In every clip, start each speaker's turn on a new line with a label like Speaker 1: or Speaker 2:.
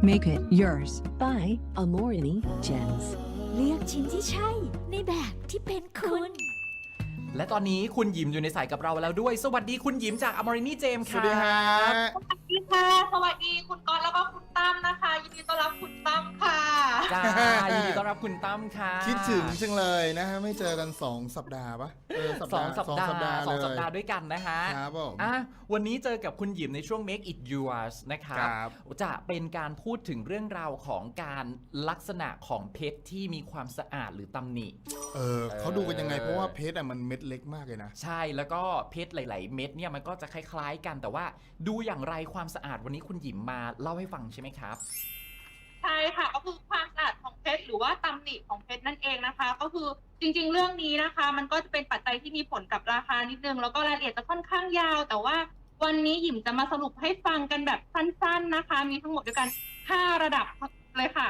Speaker 1: Make it yours.
Speaker 2: by Amorini Gems
Speaker 3: เลือกชิ้นที่ใช่ในแบบที่เป็นคุณ
Speaker 4: และตอนนี้คุณหยิมอยู่ในสายกับเราแล้วด้วย สวัสดีคุณหยิมจากอมรินีเจมส์
Speaker 5: ส
Speaker 4: ค่ะ
Speaker 5: วัสดีครับ
Speaker 6: สวัสดีค่ะ สวัสดีคุณก๊อตแล้วก็คุณตั้มนะคะ ยินดีต้อนรับคุณตั้มค่ะ
Speaker 4: จ้ายินดีต้อนรับคุณตั้มค่ะ
Speaker 5: คิดถึงจังเลยนะฮะไม่เจอกัน2 สัปดาห์ปะ
Speaker 4: สองสัปดาห์
Speaker 5: เลย
Speaker 4: 2 สัปดาห์ด้วยกันนะฮะ
Speaker 5: ครับผม
Speaker 4: วันนี้เจอกับคุณหยิมในช่วง Make It Yours นะครับ
Speaker 5: ครับ
Speaker 4: จะเป็นการพูดถึงเรื่องราวของการลักษณะของเพชรที่มีความสะอาดหรือตำหนิ
Speaker 5: เขาดูกันยังไงเพราะว่าเพชรมันเม็ดเล็กมากเลยนะ
Speaker 4: ใช่แล้วก็เพชรหลาย ๆ เม็ดเนี่ยมันก็จะคล้าย ๆ กันแต่ว่าดูอย่างไรความสะอาดวันนี้คุณหยิมมาเล่าให้ฟังใช่ไหมครับ
Speaker 6: ใช่ค่ะ ก็คือความสะอาดของเพชรหรือว่าตำหนิของเพชรนั่นเองนะคะ ก็คือจริงๆเรื่องนี้นะคะ มันก็จะเป็นปัจจัยที่มีผลกับราคานิดนึงแล้วก็รายละเอียดจะค่อนข้างยาว แต่ว่าวันนี้หยิมจะมาสรุปให้ฟังกันแบบสั้น ๆนะคะ มีทั้งหมดด้วยกัน5ระดับเลยค่ะ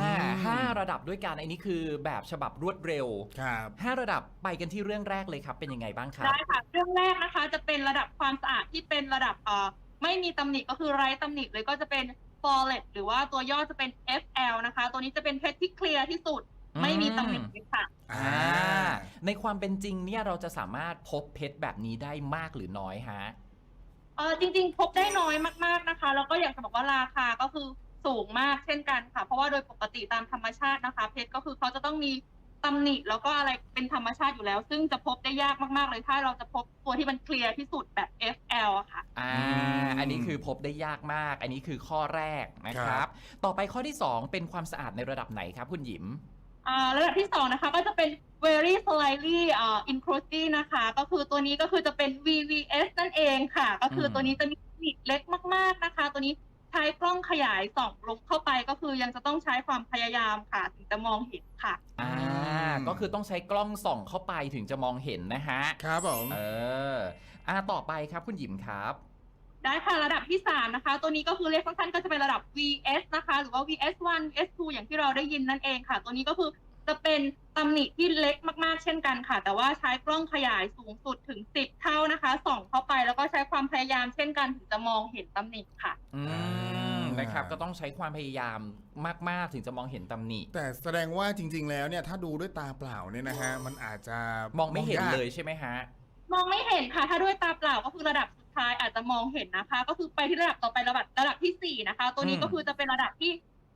Speaker 4: 5 ระดับด้วยกันอันนี้คือแบบฉบับรวดเร็ว
Speaker 5: ครับ
Speaker 4: 5 ระดับไปกันที่เรื่องแรกเลยครับเป็นยังไงบ้างครับ
Speaker 6: ได้ค่ะเรื่องแรกนะคะจะเป็นระดับความสะอาดที่เป็นระดับไม่มีตำหนิก็คือไร้ตำหนิเลยก็จะเป็น flawless หรือว่าตัวย่อจะเป็น FL นะคะ ตัวนี้จะเป็นเพชรที่เคลียร์ที่สุดไม่มีตำหนิเลยค่ะ
Speaker 4: ในความเป็นจริงเนี่ยเราจะสามารถพบเพชรแบบนี้ได้มากหรือน้อยฮะ
Speaker 6: จริงๆพบได้น้อยมากๆนะคะแล้วก็อยากจะบอกว่าราคาก็คือสูงมากเช่นกันค่ะเพราะว่าโดยปกติตามธรรมชาตินะคะเพชรก็คือเขาจะต้องมีตำหนิแล้วก็อะไรเป็นธรรมชาติอยู่แล้ว ซึ่งจะพบได้ยากมากๆเลยถ้าเราจะพบตัวที่มันเคลียร์ที่สุดแบบ FL อะค่ะ
Speaker 4: อันนี้คือพบได้ยากมาก อันนี้คือข้อแรกนะค
Speaker 5: ครั
Speaker 4: รับ
Speaker 5: บ
Speaker 4: ต่อไปข้อที่ 2 เป็นความสะอาดในระดับไหนครับคุณหยิม
Speaker 6: ระดับที่2นะคะก็จะเป็น very slightly inclusive นะคะก็คือตัวนี้ก็คือจะเป็น VVS นั่นเองค่ะก็คือตัวนี้จะมีตำหนิเล็กมากๆนะคะตัวนี้ใช้กล้องขยายส่องลงเข้าไปก็คือยังจะต้องใช้ความพยายามค่ะถึงจะมองเห็นค่ะ
Speaker 4: ก็คือต้องใช้กล้องส่องเข้าไปถึงจะมองเห็นนะฮะ
Speaker 5: ครับผม
Speaker 4: ต่อไปครับคุณหยิมครับ
Speaker 6: ได้ค่ะระดับที่3นะคะตัวนี้ก็คือเรียกสั้นๆก็จะเป็นระดับ VS นะคะหรือว่า VS1 VS2 อย่างที่เราได้ยินนั่นเองค่ะตัวนี้ก็คือจะเป็นตำหนิที่เล็กมากๆเช่นกันค่ะแต่ว่าใช้กล้องขยายสูงสุดถึง10 เท่านะคะส่องเข้าไปแล้วก็ใช้ความพยายามเช่นกันถึงจะมองเห็นตำหนิค่ะ
Speaker 4: นะครับก็ต้องใช้ความพยายามมากๆถึงจะมองเห็นตำหนิ
Speaker 5: แต่แสดงว่าจริง ๆ แล้วเนี่ยถ้าดูด้วยตาเปล่าเนี่ยนะฮะมันอาจจะ
Speaker 4: มองไม่เห็น
Speaker 5: าก
Speaker 4: เลยใช่ไหมฮะ
Speaker 6: มองไม่เห็นค่ะถ้าด้วยตาเปล่าก็คือระดับสุดท้ายอาจจะมองเห็นนะคะก็คือไปที่ระดับต่อไประดับที่4นะคะตัวนี้ก็คือจะเป็นระดับที่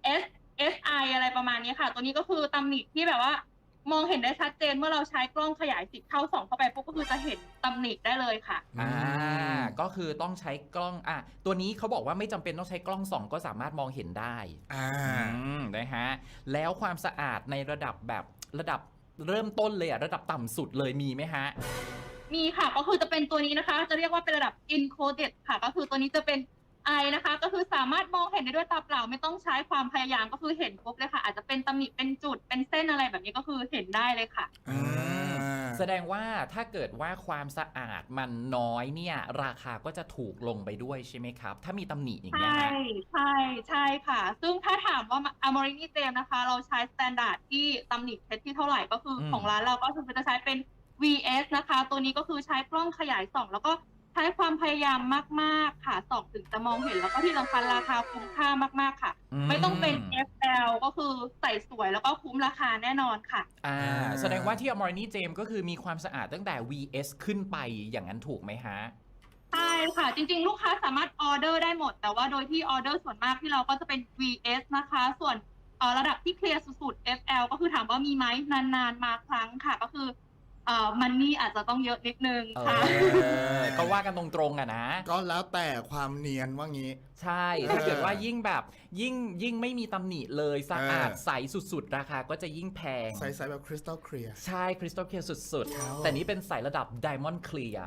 Speaker 6: SI อะไรประมาณนี้ค่ะตัวนี้ก็คือตำหนิที่แบบว่ามองเห็นได้ชัดเจนเมื่อเราใช้กล้องขยาย10 เท่าส่องเข้าไปปุ๊บก็คือจะเห็นตำหนิได้เลยค่ะ
Speaker 4: ก็คือต้องใช้กล้องตัวนี้เขาบอกว่าไม่จำเป็นต้องใช้กล้องส่องก็สามารถมองเห็นได้นะฮะแล้วความสะอาดในระดับแบบระดับเริ่มต้นเลยระดับต่ำสุดเลยมีไหมฮะ
Speaker 6: มีค่ะก็คือจะเป็นตัวนี้นะคะจะเรียกว่าเป็นระดับ encoded ค่ะก็คือตัวนี้จะเป็น I นะคะก็คือสามารถมองเห็นได้ด้วยตาเปล่าไม่ต้องใช้ความพยายามก็คือเห็นปุ๊บเลยค่ะอาจจะเป็นตำหนิเป็นจุดเป็นเส้นอะไรแบบนี้ก็คือเห็นได้เลยค่ะ
Speaker 4: แสดงว่าถ้าเกิดว่าความสะอาดมันน้อยเนี่ยราคาก็จะถูกลงไปด้วยใช่ไหมครับถ้ามีตำหนิอย่างเงี้ย
Speaker 6: ใช่ค่ะซึ่งถ้าถามว่า Amorini Gems นะคะเราใช้สแตนดาร์ดที่ตำหนิเพชรที่เท่าไหร่ก็คือของร้านเราก็คือจะใช้เป็น VS นะคะตัวนี้ก็คือใช้กล้องขยายส่องแล้วก็ใช้ความพยายามมากๆค่ะส่องถึงจะมองเห็นแล้วก็ที่สำคัญราคาคุ้มค่ามากๆค่ะไม่ต้องเป็น FL ก็คือใส่สวยแล้วก็คุ้มราคาแน่นอนค่ะ
Speaker 4: แสดงว่าที่ Amorini Gems ก็คือมีความสะอาดตั้งแต่ VS ขึ้นไปอย่างนั้นถูกไหมฮะ
Speaker 6: ใช่ค่ะจริงๆลูกค้าสามารถออเดอร์ได้หมดแต่ว่าโดยที่ออเดอร์ส่วนมากที่เราก็จะเป็น VS นะคะส่วนระดับที่เคลียร์สุดๆ FL ก็คือถามว่ามีไหมนานๆมาครั้งค่ะก็คือมันนี่อาจจะต้องเยอะนิดนึงค่ะ
Speaker 4: ก็ว่ากันตรงๆนะ
Speaker 5: ก็แล้วแต่ความเนียนว่างี้
Speaker 4: ใช่ถ้าเกิดว่ายิ่งแบบยิ่งไม่มีตำหนิเลยสะอาดใสสุดๆราคาก็จะยิ่งแพง
Speaker 5: ใสๆแบบคริสตัลเคลียร์
Speaker 4: ใช่คริสตัลเคลียร์สุดๆแต่นี้เป็นใสระดับ Diamond Clear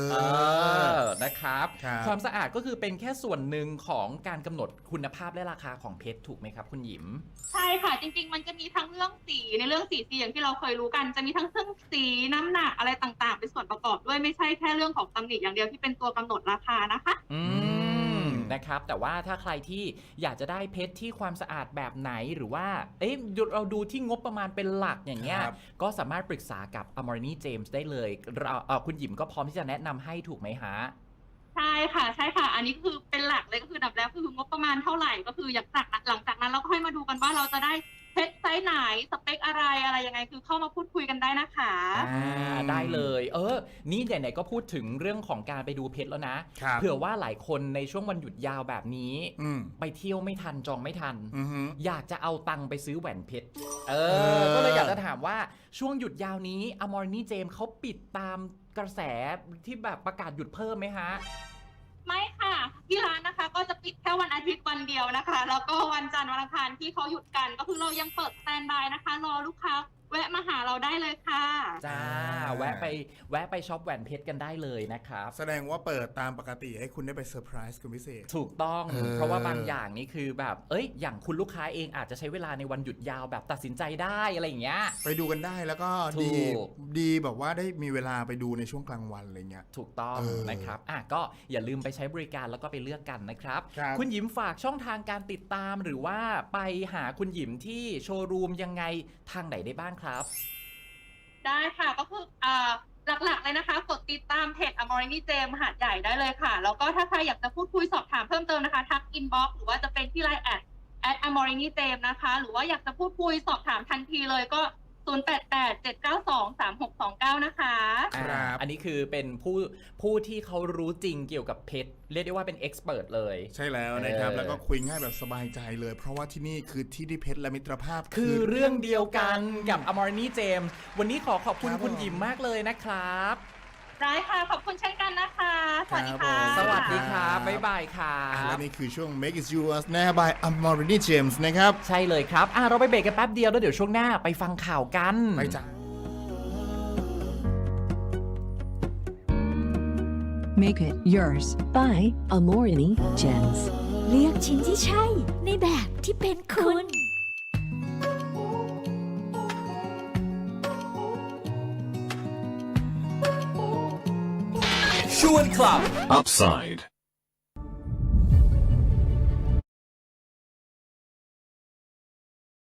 Speaker 4: นะครับความสะอาดก็คือเป็นแค่ส่วนหนึ่งของการกำหนดคุณภาพและราคาของเพชรถูกไหมครับคุณหยิม
Speaker 6: ใช่ค่ะจริงๆมันจะมีทั้งเรื่องสีในเรื่องสีอย่างที่เราเคยรู้กันจะมีทั้งเครื่องสีน้ำหนักอะไรต่างๆเป็นส่วนประกอบด้วยไม่ใช่แค่เรื่องของตำหนิอย่างเดียวที่เป็นตัวกำหนดราคานะคะ
Speaker 4: นะครับแต่ว่าถ้าใครที่อยากจะได้เพชรที่ความสะอาดแบบไหนหรือว่าเราดูที่งบประมาณเป็นหลักอย่างเงี้ยก็สามารถปรึกษากับ Amorini Gems ได้เลยคุณหยิมก็พร้อมที่จะแนะนำให้ถูกไหมฮะ
Speaker 6: ใช่ค่ะใช่ค่ะ อันนี้คือเป็นหลักเลยก็คืออันดับแรกคืองบประมาณเท่าไหร่ก็คือหลังจากนั้นเราก็ค่อยมาดูกันว่าเราจะได้เพชรไซส์ไหนสเปคอะไรยังไงคือเข้ามาพูดคุยกันได้นะคะ
Speaker 4: ได้เลย นี่ไหนๆก็พูดถึงเรื่องของการไปดูเพชรแล้วนะครับ เผื่อว่าหลายคนในช่วงวันหยุดยาวแบบนี้ ไปเที่ยวไม่ทันจองไม่ทัน อยากจะเอาตังค์ไปซื้อแหวนเพชรก็เลยอยากจะถามว่าช่วงหยุดยาวนี้อมอร์นี่เจมเขาปิดตามกระแสที่แบบประกาศหยุดเพิ่มไหมฮะ
Speaker 6: ไม่ค่ะที่ร้านนะคะก็จะปิดแค่วันอาทิตย์วันเดียวนะคะ แล้วก็วันจันทร์วันอังคารที่เขาหยุดกัน ก็คือเรายังเปิดสแตนด์บายนะคะรอลูกค้าแวะมาหาเราได้เลยค่ะ
Speaker 4: จ้าแวะไปช็อปแหวนเพชรกันได้เลยนะครับ
Speaker 5: แสดงว่าเปิดตามปกติให้คุณได้ไปเซอร์ไพรส์คุณพิเศษ
Speaker 4: ถูกต้อง เพราะว่าบางอย่างนี่คือแบบอย่างคุณลูกค้าเองอาจจะใช้เวลาในวันหยุดยาวแบบตัดสินใจได้อะไรอย่างเงี้ย
Speaker 5: ไปดูกันได้แล้วก็
Speaker 4: ถูก
Speaker 5: ดีแบบว่าได้มีเวลาไปดูในช่วงกลางวันอะไรเงี้ย
Speaker 4: ถูกต้องนะครับก็อย่าลืมไปใช้บริการแล้วก็ไปเลือกกันนะครับ
Speaker 5: ครับ
Speaker 4: คุณหยิมฝากช่องทางการติดตามหรือว่าไปหาคุณหยิมที่โชว์รูมยังไงทางไหนได้บ้างครับ
Speaker 6: ได้ค่ะก็คือหลักๆเลยนะคะกดติดตามเพจ Amorini Gem หาดใหญ่ได้เลยค่ะ แล้วก็ถ้าใครอยากจะพูดคุยสอบถามเพิ่มเติมนะคะทักอินบ็อกซ์หรือว่าจะเป็นที่ไลน์@Amorini Gem นะคะ หรือว่าอยากจะพูดคุยสอบถามทันทีเลยก็ 0887923629 นะคะ
Speaker 5: ครับ
Speaker 4: อันนี้คือเป็นผู้ที่เขารู้จริงเกี่ยวกับเพชรเรียกได้ว่าเป็นเอ็กซ์เพรสเลย
Speaker 5: ใช่แล้วนะครับแล้วก็คุยง่ายแบบสบายใจเลย เพราะว่าที่นี่คือที่ที่เพชรและมิตรภาพ
Speaker 4: คือเรื่องเดียวกันกับ Amorini Gem วันนี้ขอบคุณ
Speaker 5: ครับ
Speaker 4: คุณหยิมมากเลยนะครับ
Speaker 6: ได้ค่ะ ขอบคุณเช่นกันนะคะ สวัสดีค่ะ
Speaker 5: ครับผม
Speaker 4: สวัสดีครับบ๊ายบายครั
Speaker 5: และ
Speaker 4: บ
Speaker 5: นี่คือช่วง Make It Yours นะ by Amorini James นะครับ
Speaker 4: ใช่เลยครับเราไปเบรกกันแป๊บเดียวแล้วเดี๋ยวช่วงหน้าไปฟังข่าวกัน
Speaker 5: ไปจ้ะ
Speaker 2: Make it yours by Amorini Gems.
Speaker 3: เลือกชิ้นที่ใช่ในแบบที่เป็นคุณ
Speaker 1: ชวนคลับ Upside